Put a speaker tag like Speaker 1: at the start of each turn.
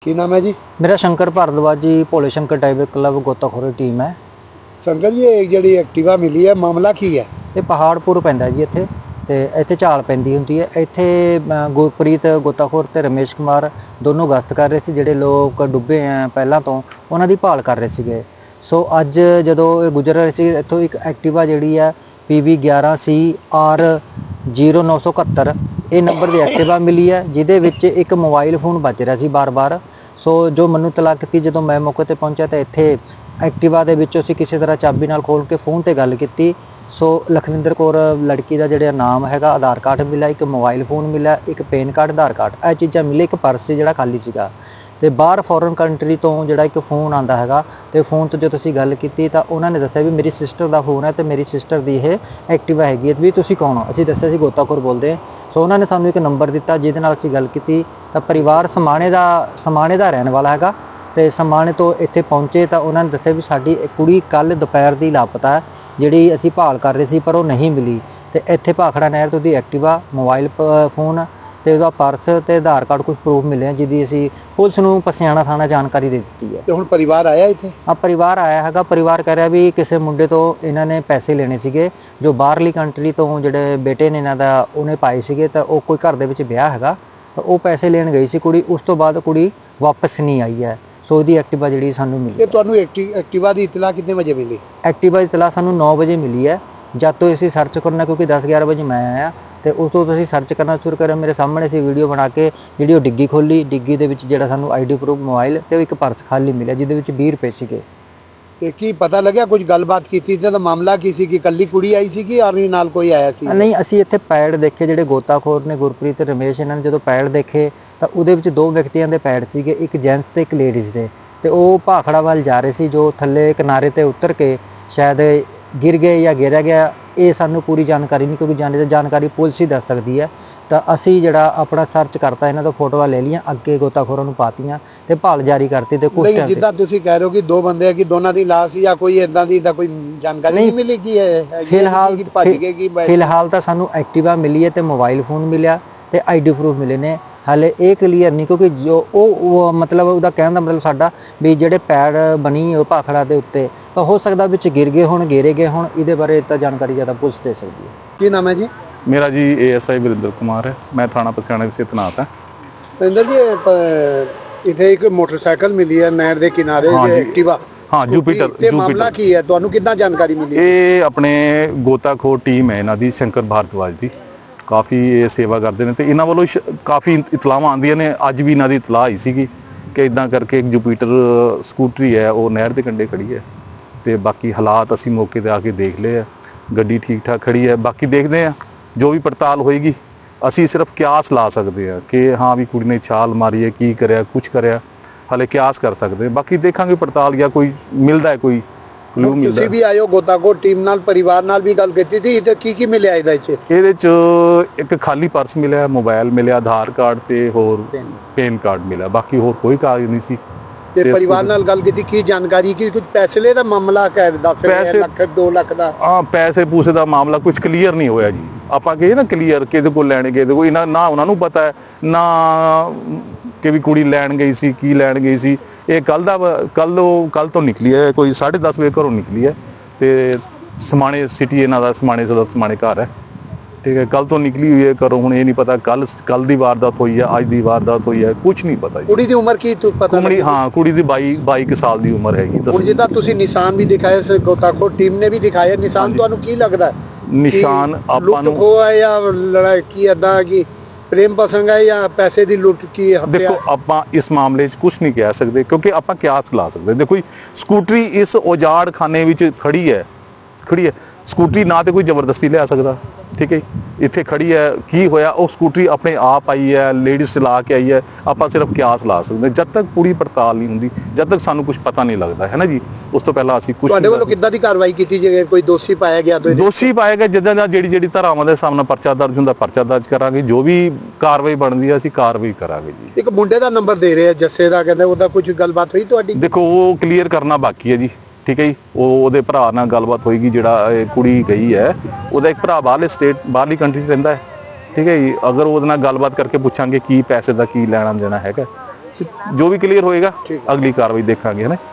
Speaker 1: ਕੀ ਨਾਮ ਹੈ ਜੀ?
Speaker 2: मेरा शंकर भारद्वाज जी भोले शंकर टाइगर क्लब गोताखोरी टीम है।
Speaker 1: ਸੰਗਤ ਜੀ ਇਹ ਜਿਹੜੀ ਐਕਟਿਵਾ ਮਿਲੀ ਹੈ ਮਾਮਲਾ ਕੀ ਹੈ?
Speaker 2: ਇਹ ਪਹਾੜਪੁਰ ਪੈਂਦਾ ਜੀ ਇੱਥੇ ਤੇ ਇੱਥੇ ਝਾਲ ਪੈਂਦੀ ਹੁੰਦੀ ਹੈ। ਇੱਥੇ ਗੁਰਪ੍ਰੀਤ ਗੋਤਾਖੋਰ ਤੇ ਰਮੇਸ਼ ਕੁਮਾਰ ਦੋਨੋਂ ਗਸ਼ਤ ਕਰ ਰਹੇ ਸੀ। ਜਿਹੜੇ ਲੋਕ ਡੁੱਬੇ ਆ ਪਹਿਲਾਂ ਤੋਂ ਉਹਨਾਂ ਦੀ ਭਾਲ ਕਰ ਰਹੇ ਸੀਗੇ। ਸੋ ਅੱਜ ਜਦੋਂ ਇਹ ਗੁਜ਼ਰ ਰਹੇ ਸੀ ਇੱਥੋਂ ਇੱਕ ਐਕਟਿਵਾ ਜਿਹੜੀ ਆ PV 11CR 0971 ਇਹ ਨੰਬਰ ਦੀ ਐਕਟਿਵਾ ਮਿਲੀ ਹੈ, ਜਿਹਦੇ ਵਿੱਚ ਇੱਕ ਮੋਬਾਈਲ ਫੋਨ ਵੱਜ ਰਿਹਾ ਸੀ ਬਾਰ-ਬਾਰ। ਸੋ ਜੋ ਮੈਨੂੰ ਤਲਾਕ ਕੀਤੀ ਜਦੋਂ ਮੈਂ ਮੌਕੇ ਤੇ ਪਹੁੰਚਿਆ ਤਾਂ ਇੱਥੇ ਐਕਟਿਵਾ ਦੇ ਵਿੱਚੋਂ ਅਸੀਂ ਕਿਸੇ ਤਰ੍ਹਾਂ ਚਾਬੀ ਨਾਲ ਖੋਲ੍ਹ ਕੇ ਫੋਨ ਤੇ ਗੱਲ ਕੀਤੀ। ਸੋ ਲਖਵਿੰਦਰ ਕੌਰ ਲੜਕੀ ਦਾ ਜਿਹੜਾ ਨਾਮ ਹੈਗਾ, ਆਧਾਰ ਕਾਰਡ ਮਿਲਿਆ, ਇੱਕ ਮੋਬਾਈਲ ਫੋਨ ਮਿਲਿਆ, ਇੱਕ ਪੈਨ ਕਾਰਡ, ਆਧਾਰ ਕਾਰਡ, ਇਹ ਚੀਜ਼ਾਂ ਮਿਲੇ। ਇੱਕ ਪਰਸ ਸੀ ਜਿਹੜਾ ਖਾਲੀ ਸੀਗਾ ਤੇ ਬਾਹਰ ਫੋਰਨ ਕੰਟਰੀ ਤੋਂ ਜਿਹੜਾ ਇੱਕ ਫੋਨ ਆਂਦਾ ਹੈਗਾ ਤੇ ਫੋਨ ਤੋਂ ਜਦੋਂ ਅਸੀਂ ਗੱਲ ਕੀਤੀ ਤਾਂ ਉਹਨਾਂ ਨੇ ਦੱਸਿਆ ਵੀ ਮੇਰੀ ਸਿਸਟਰ ਦਾ ਫੋਨ ਹੈ ਤੇ ਮੇਰੀ ਸਿਸਟਰ ਦੀ ਇਹ ਐਕਟਿਵਾ ਹੈਗੀ ਹੈ। ਵੀ ਤੁਸੀਂ ਕੌਣ ਹੋ? ਅਸੀਂ ਦੱਸਿਆ ਸੀ ਗੋਤਾਖੋਰ ਬੋਲਦੇ। ਸੋ ਉਹਨਾਂ ਨੇ ਸਾਨੂੰ ਇੱਕ ਨੰਬਰ ਦਿੱਤਾ ਜਿਹਦੇ ਨਾਲ ਅਸੀਂ ਗੱਲ ਕੀਤੀ ਤਾਂ ਪਰਿਵਾਰ ਸਮਾਣੇ ਦਾ ਰਹਿਣ ਵਾਲਾ ਹੈਗਾ ਤੇ ਸਮਾਣੇ ਤੋਂ ਇੱਥੇ ਪਹੁੰਚੇ ਤਾਂ ਉਹਨਾਂ ਨੇ ਦੱਸਿਆ ਵੀ ਸਾਡੀ ਕੁੜੀ ਕੱਲ ਦੁਪਹਿਰ ਦੀ ਲਾਪਤਾ ਹੈ, ਜਿਹੜੀ ਅਸੀਂ ਭਾਲ ਕਰ ਰਹੇ ਸੀ ਪਰ ਉਹ ਨਹੀਂ ਮਿਲੀ। ਤੇ ਇੱਥੇ ਭਾਖੜਾ ਨਹਿਰ ਤੋਂ ਦੀ ਐਕਟਿਵਾ, ਮੋਬਾਈਲ ਫੋਨ ਤੇ ਉਹਦਾ ਪਰਸ ਤੇ ਆਧਾਰ ਕਾਰਡ ਕੁਝ ਪ੍ਰੂਫ ਮਿਲੇ ਆ, ਜਿਹਦੀ ਅਸੀਂ ਪੁਲਿਸ ਨੂੰ ਪਸਿਆਣਾ ਥਾਣਾ ਜਾਣਕਾਰੀ ਦੇ ਦਿੱਤੀ ਹੈ।
Speaker 1: ਤੇ ਹੁਣ ਪਰਿਵਾਰ ਆਇਆ ਇੱਥੇ?
Speaker 2: ਪਰਿਵਾਰ ਆਇਆ ਹੈਗਾ। ਪਰਿਵਾਰ ਕਹਿ ਰਿਹਾ ਵੀ ਕਿਸੇ ਮੁੰਡੇ ਤੋਂ ਇਹਨਾਂ ਨੇ ਪੈਸੇ ਲੈਣੇ ਸੀਗੇ, ਜੋ ਬਾਹਰਲੀ ਕੰਟਰੀ ਤੋਂ ਜਿਹੜੇ ਬੇਟੇ ਨੇ ਇਹਨਾਂ ਦਾ ਉਹਨੇ ਪਾਏ ਸੀਗੇ ਤਾਂ ਉਹ ਕੋਈ ਘਰ ਦੇ ਵਿੱਚ ਵਿਆਹ ਹੈਗਾ ਤਾਂ ਉਹ ਪੈਸੇ ਲੈਣ ਗਈ ਸੀ ਕੁੜੀ। ਉਸ ਤੋਂ ਬਾਅਦ ਕੁੜੀ ਵਾਪਸ ਨਹੀਂ ਆਈ ਹੈ। ਸੋ ਉਹਦੀ ਐਕਟਿਵਾ ਜਿਹੜੀ ਸਾਨੂੰ ਮਿਲੀ।
Speaker 1: ਤੇ ਤੁਹਾਨੂੰ ਐਕਟਿਵਾ ਦੀ ਇਤਲਾ ਕਿੰਨੇ ਵਜੇ ਮਿਲੀ?
Speaker 2: ਐਕਟਿਵਾ ਦੀ ਇਤਲਾ ਸਾਨੂੰ 9 ਵਜੇ ਮਿਲੀ ਹੈ। ਜਦ ਤੋਂ ਅਸੀਂ ਸਰਚ ਕਰਨਾ, ਕਿਉਂਕਿ 10-11 ਵਜੇ ਮੈਂ ਆਇਆ ਤੇ ਉਸ ਤੋਂ ਅਸੀਂ ਸਰਚ ਕਰਨਾ ਸ਼ੁਰੂ ਕਰਿਆ। ਮੇਰੇ ਸਾਹਮਣੇ ਸੀ ਵੀਡੀਓ ਬਣਾ ਕੇ ਜਿਹੜੀ ਉਹ ਡਿੱਗੀ ਖੋਲੀ। ਡਿੱਗੀ ਦੇ ਵਿੱਚ ਜਿਹੜਾ ਸਾਨੂੰ ID ਪ੍ਰੂਫ, ਮੋਬਾਈਲ ਤੇ ਇੱਕ ਪਰਸ ਖਾਲੀ ਮਿਲਿਆ ਜਿਹਦੇ ਵਿੱਚ 20 ਰੁਪਏ ਸੀਗੇ।
Speaker 1: ਤੇ ਕੀ ਪਤਾ ਲੱਗਿਆ ਕੁਝ ਗੱਲਬਾਤ ਕੀਤੀ ਤੇ ਮਾਮਲਾ ਕੀ ਸੀ? ਕਿ ਇਕੱਲੀ ਕੁੜੀ ਆਈ ਸੀ ਕਿ ਔਰ ਨਾਲ ਕੋਈ ਆਇਆ ਸੀ?
Speaker 2: ਨਹੀਂ, ਅਸੀਂ ਇੱਥੇ ਪੈਡ ਦੇਖੇ ਜਿਹੜੇ ਗੋਤਾਖੋਰ ਨੇ ਗੁਰਪ੍ਰੀਤ ਤੇ ਰਮੇਸ਼, ਇਹਨਾਂ ਨੇ ਜਦੋਂ ਪੈਡ ਦੇਖੇ ਤਾਂ ਉਹਦੇ ਵਿੱਚ 2 ਵਿਅਕਤੀਆਂ ਦੇ ਪੈਡ ਸੀਗੇ, ਇੱਕ ਜੈਂਟਸ ਤੇ ਇੱਕ ਲੇਡੀਜ਼ ਦੇ। ਤੇ ਉਹ ਭਾਖੜਾ ਵੱਲ ਜਾ ਰਹੇ ਸੀ, ਜੋ ਥੱਲੇ ਕਿਨਾਰੇ ਤੇ ਉਤਰ ਕੇ ਸ਼ਾਇਦ ਗਿਰ ਗਏ ਜਾਂ ਗਿਰਿਆ ਗਿਆ। ਇਹ ਸਾਨੂੰ ਪੂਰੀ ਜਾਣਕਾਰੀ ਨਹੀਂ, ਕਿਉਂਕਿ ਜਾਣਕਾਰੀ ਪੁਲਿਸ ਹੀ ਦੱਸ ਸਕਦੀ ਹੈ। ਤਾਂ ਅਸੀਂ ਜਿਹੜਾ ਆਪਣਾ ਸਰਚ ਕਰਤਾ, ਇਹਨਾਂ ਤੋਂ ਫੋਟੋਆਂ ਲੈ ਲਈਆਂ, ਅੱਗੇ ਗੋਤਾਖੋਰਾਂ ਨੂੰ ਪਾਤੀਆਂ ਤੇ ਭਾਲ ਜਾਰੀ ਕਰਤੀ। ਤੇ ਕੁਝ
Speaker 1: ਨਹੀਂ, ਜਿੱਦਾਂ ਤੁਸੀਂ ਕਹਿ ਰਹੇ ਹੋ ਕਿ 2 ਬੰਦੇ ਆ, ਕਿ ਦੋਨਾਂ ਦੀ ਲਾਸ਼ ਜਾਂ ਕੋਈ ਇਦਾਂ ਦੀ ਤਾਂ ਕੋਈ ਜਾਣਕਾਰੀ ਨਹੀਂ ਮਿਲੀ? ਕੀ ਹੈ ਫਿਲਹਾਲ ਤਾਂ ਸਾਨੂੰ ਐਕਟਿਵਾ ਮਿਲੀ ਹੈ ਤੇ ਮੋਬਾਈਲ ਫੋਨ ਮਿਲਿਆ ਤੇ ID ਪ੍ਰੂਫ ਮਿਲੇ ਨੇ। ਹਾਲੇ ਇਹ ਕਲੀਅਰ ਨਹੀਂ, ਕਿਉਂਕਿ ਜੋ ਉਹ ਮਤਲਬ ਉਹਦਾ ਕਹਿਣ ਦਾ ਮਤਲਬ ਸਾਡਾ ਵੀ ਜਿਹੜੇ ਪੈਡ ਬਣੀ ਉਹ ਭਾਖੜਾ ਦੇ ਉੱਤੇ ਤਾਂ ਹੋ ਸਕਦਾ ਵਿੱਚ ਗਿਰ ਗਏ ਹੋਣ, ਗੇਰੇ ਗਏ ਹੋਣ। ਇਹਦੇ ਬਾਰੇ ਤਾਂ ਜਾਣਕਾਰੀ ਜ਼ਿਆਦਾ ਪੁਲਿਸ ਦੇ ਸਕਦੀ ਹੈ। ਕੀ ਨਾਮ ਹੈ ਜੀ?
Speaker 3: मेरा जी ASI ਵਰਿੰਦਰ ਕੁਮਾਰ है। मैं थाना पसियाणा से तैनात है।
Speaker 1: ਇੰਦਰ ਜੀ, ਇੱਥੇ ਇੱਕ ਮੋਟਰਸਾਈਕਲ ਮਿਲੀ ਹੈ ਨਹਿਰ ਦੇ ਕਿਨਾਰੇ, ਐਕਟਿਵਾ।
Speaker 3: हाँ, ਜੁਪੀਟਰ।
Speaker 1: ਤੇ ਮਾਮਲਾ ਕੀ ਹੈ? ਤੁਹਾਨੂੰ ਕਿੱਦਾਂ ਜਾਣਕਾਰੀ ਮਿਲੀ?
Speaker 3: ਇਹ ਆਪਣੇ ਗੋਤਾਖੋਰ ਟੀਮ ਹੈ ਇਹਨਾਂ ਦੀ, ਸ਼ੰਕਰ ਭਾਰਦਵਾਜ ਦੀ। ਕਾਫੀ ਇਹ ਸੇਵਾ ਕਰਦੇ ਨੇ ਤੇ ਇਹਨਾਂ ਵੱਲੋਂ ਕਾਫੀ ਇਤਲਾਹਾਂ ਆਉਂਦੀਆਂ ਨੇ। ਅੱਜ ਵੀ ਇਹਨਾਂ ਦੀ ਇਤਲਾਹ ਆਈ ਸੀਗੀ ਕਿ ਇਦਾਂ ਕਰਕੇ ਇੱਕ ਜੁਪੀਟਰ ਸਕੂਟਰੀ ਹੈ ਉਹ ਨਹਿਰ ਦੇ ਕੰਢੇ ਖੜੀ ਹੈ। ਤੇ ਬਾਕੀ ਹਾਲਾਤ ਅਸੀਂ ਮੌਕੇ ਤੇ ਆ ਕੇ ਦੇਖ ਲਏ ਆ। ਗੱਡੀ ਠੀਕ ਠਾਕ ਖੜੀ ਹੈ। ਬਾਕੀ ਦੇਖਦੇ ਆ ਜੋ ਵੀ ਪੜਤਾਲ ਹੋਏਗੀ। ਅਸੀਂ ਸਿਰਫ ਕਿਆਸ ਲਾ ਸਕਦੇ ਆ ਕਿ ਹਾਂ ਵੀ ਕੁੜੀ ਨੇ ਛਾਲ ਮਾਰੀ ਹੈ, ਕੀ ਕਰਿਆ, ਕੁਝ ਕਰਿਆ, ਹਾਲੇ ਕਿਆਸ ਕਰ ਸਕਦੇ। ਬਾਕੀ ਦੇਖਾਂਗੇ ਪੜਤਾਲ ਜਾਂ ਕੋਈ ਮਿਲਦਾ ਹੈ, ਕੋਈ ਕਲੂ ਮਿਲਦਾ।
Speaker 1: ਤੁਸੀਂ ਵੀ ਆਇਓ ਗੋਤਾਖੋਰ ਟੀਮ ਨਾਲ, ਪਰਿਵਾਰ ਨਾਲ ਵੀ ਗੱਲ ਕੀਤੀ ਸੀ ਤੇ ਕੀ ਮਿਲਿਆ ਇਹਦੇ ਚ?
Speaker 3: ਇੱਕ ਖਾਲੀ ਪਰਸ ਮਿਲਿਆ, ਮੋਬਾਈਲ ਮਿਲਿਆ, ਆਧਾਰ ਕਾਰਡ ਤੇ ਹੋਰ ਪੈਨ ਕਾਰਡ ਮਿਲਿਆ। ਬਾਕੀ ਹੋਰ ਕੋਈ ਕਾਗਜ਼ ਨਹੀਂ ਸੀ।
Speaker 1: ਤੇ ਪਰਿਵਾਰ ਨਾਲ ਗੱਲ ਕੀਤੀ, ਕੀ ਜਾਣਕਾਰੀ? ਕੀ ਕੁਝ ਪੈਸੇ ਦਾ ਮਾਮਲਾ ਕਹਿ ਦੱਸ ਰਹੇ, ਲੱਖ 2 ਲੱਖ ਦਾ?
Speaker 3: ਹਾਂ, ਪੈਸੇ ਪੂਸੇ ਦਾ ਮਾਮਲਾ ਕੁਝ ਕਲੀਅਰ ਨਹੀਂ ਹੋਇਆ ਜੀ। ਆਪਾਂ ਕਹੇ ਨਾ ਕਲੀਅਰ ਕਿਹਦੇ ਕੋਲ ਲੈਣ ਗਏ, ਕੋਈ ਨਾ ਉਹਨਾਂ ਨੂੰ ਪਤਾ ਹੈ ਨਾ ਕਿ ਵੀ ਕੁੜੀ ਲੈਣ ਗਈ ਸੀ, ਕੀ ਲੈਣ ਗਈ ਸੀ। ਇਹ ਕੱਲ ਤੋਂ ਨਿਕਲੀ ਹੈ, ਕੋਈ 10:30 ਵਜੇ ਘਰੋਂ ਨਿਕਲੀ ਹੈ ਤੇ ਸਮਾਣੇ ਸਿਟੀ ਇਹਨਾਂ ਦਾ, ਸਮਾਣੇ ਘਰ ਹੈ। ਠੀਕ ਹੈ, ਕੱਲ ਤੋਂ ਨਿਕਲੀ ਹੋਈ ਹੈ ਘਰੋਂ। ਹੁਣ ਇਹ ਨਹੀਂ ਪਤਾ ਕੱਲ ਦੀ ਵਾਰਦਾਤ ਹੋਈ ਹੈ, ਅੱਜ ਦੀ ਵਾਰਦਾਤ ਹੋਈ ਹੈ, ਕੁਝ ਨਹੀਂ ਪਤਾ।
Speaker 1: ਕੁੜੀ ਦੀ ਉਮਰ ਕੀ ਪਤਾ?
Speaker 3: ਹਾਂ, ਕੁੜੀ ਦੀ 22 ਸਾਲ ਦੀ ਉਮਰ ਹੈਗੀ।
Speaker 1: ਹੁਣ ਜਿੱਦਾਂ ਤੁਸੀਂ ਨਿਸ਼ਾਨ ਵੀ ਦਿਖਾਏ, ਗੋਤਾਖੋਰ ਟੀਮ ਨੇ ਵੀ ਦਿਖਾਇਆ ਨਿਸ਼ਾਨ, ਤੁਹਾਨੂੰ ਕੀ ਲੱਗਦਾ?
Speaker 3: ਨਿਸ਼ਾਨ ਆਪਾਂ ਨੂੰ
Speaker 1: ਲੁੱਟ ਹੈ ਜਾਂ ਲੜਾਈ ਕੀ ਏਦਾਂ ਕਿ ਪ੍ਰੇਮ ਪ੍ਰਸੰਗ ਹੈ ਜਾਂ ਪੈਸੇ ਦੀ ਲੁੱਟ? ਕੀ
Speaker 3: ਦੇਖੋ, ਆਪਾਂ ਇਸ ਮਾਮਲੇ 'ਚ ਕੁਝ ਨਹੀਂ ਕਹਿ ਸਕਦੇ ਕਿਉਂਕਿ ਆਪਾਂ ਕਿਆਸ ਲਾ ਸਕਦੇ। ਦੇਖੋ, ਸਕੂਟਰੀ ਇਸ ਉਜਾੜ ਖਾਨੇ ਵਿੱਚ ਖੜੀ ਹੈ। ਸਕੂਟਰੀ ਨਾ ਤੇ ਕੋਈ ਜ਼ਬਰਦਸਤੀ ਲਿਆ ਸਕਦਾ। ਠੀਕ ਹੈ, ਇੱਥੇ ਖੜੀ ਹੈ, ਕੀ ਹੋਇਆ? ਉਹ ਸਕੂਟਰੀ ਆਪਣੇ ਆਪ ਆਈ ਹੈ, ਲੇਡੀਜ਼ ਚਲਾ ਕੇ ਆਈ ਹੈ। ਆਪਾਂ ਸਿਰਫ ਕਿਆਸ ਲਾ ਸਕਦੇ ਜਦ ਤੱਕ ਪੂਰੀ ਪੜਤਾਲ ਨਹੀਂ ਹੁੰਦੀ, ਜਦ ਤੱਕ ਸਾਨੂੰ ਕੁਝ ਪਤਾ ਨਹੀਂ ਲੱਗਦਾ ਹੈ ਨਾ ਜੀ। ਉਸ ਤੋਂ ਪਹਿਲਾਂ ਅਸੀਂ ਕੁਝ
Speaker 1: ਤੁਹਾਡੇ ਵੱਲੋਂ ਕਿੱਦਾਂ ਦੀ ਕਾਰਵਾਈ ਕੀਤੀ? ਜੇ ਕੋਈ ਦੋਸ਼ੀ ਪਾਇਆ ਗਿਆ ਤਾਂ
Speaker 3: ਦੋਸ਼ੀ ਪਾਇਆ ਗਿਆ, ਜਿੱਦਾਂ ਦਾ ਜਿਹੜੀ ਧਾਰਾਵਾਂ ਦੇ ਸਾਹਮਣੇ ਪਰਚਾ ਦਰਜ ਹੁੰਦਾ, ਪਰਚਾ ਦਰਜ ਕਰਾਂਗੇ। ਜੋ ਵੀ ਕਾਰਵਾਈ ਬਣਦੀ ਹੈ ਅਸੀਂ ਕਾਰਵਾਈ ਕਰਾਂਗੇ ਜੀ।
Speaker 1: ਇੱਕ ਮੁੰਡੇ ਦਾ ਨੰਬਰ ਦੇ ਰਹੇ ਆ, ਜੱਸੇ ਦਾ, ਕਹਿੰਦੇ ਉਹਦਾ ਕੁਝ ਗੱਲਬਾਤ ਹੋਈ ਤੁਹਾਡੀ?
Speaker 3: ਦੇਖੋ, ਉਹ ਕਲੀਅਰ ਕਰਨਾ ਬਾਕੀ ਹੈ ਜੀ। ਠੀਕ ਹੈ ਜੀ, ਉਹਦੇ ਭਰਾ ਨਾਲ ਗੱਲਬਾਤ ਹੋਏਗੀ। ਜਿਹੜਾ ਕੁੜੀ ਗਈ ਹੈ ਉਹਦਾ ਇੱਕ ਭਰਾ ਬਾਹਰਲੀ ਕੰਟਰੀ 'ਚ ਰਹਿੰਦਾ ਹੈ। ਠੀਕ ਹੈ ਜੀ, ਅਗਰ ਉਹਦੇ ਨਾਲ ਗੱਲਬਾਤ ਕਰਕੇ ਪੁੱਛਾਂਗੇ ਕੀ ਪੈਸੇ ਦਾ ਕੀ ਲੈਣਾ ਦੇਣਾ ਹੈਗਾ। ਜੋ ਵੀ ਕਲੀਅਰ ਹੋਏਗਾ ਅਗਲੀ ਕਾਰਵਾਈ ਦੇਖਾਂਗੇ ਹੈ ਨਾ।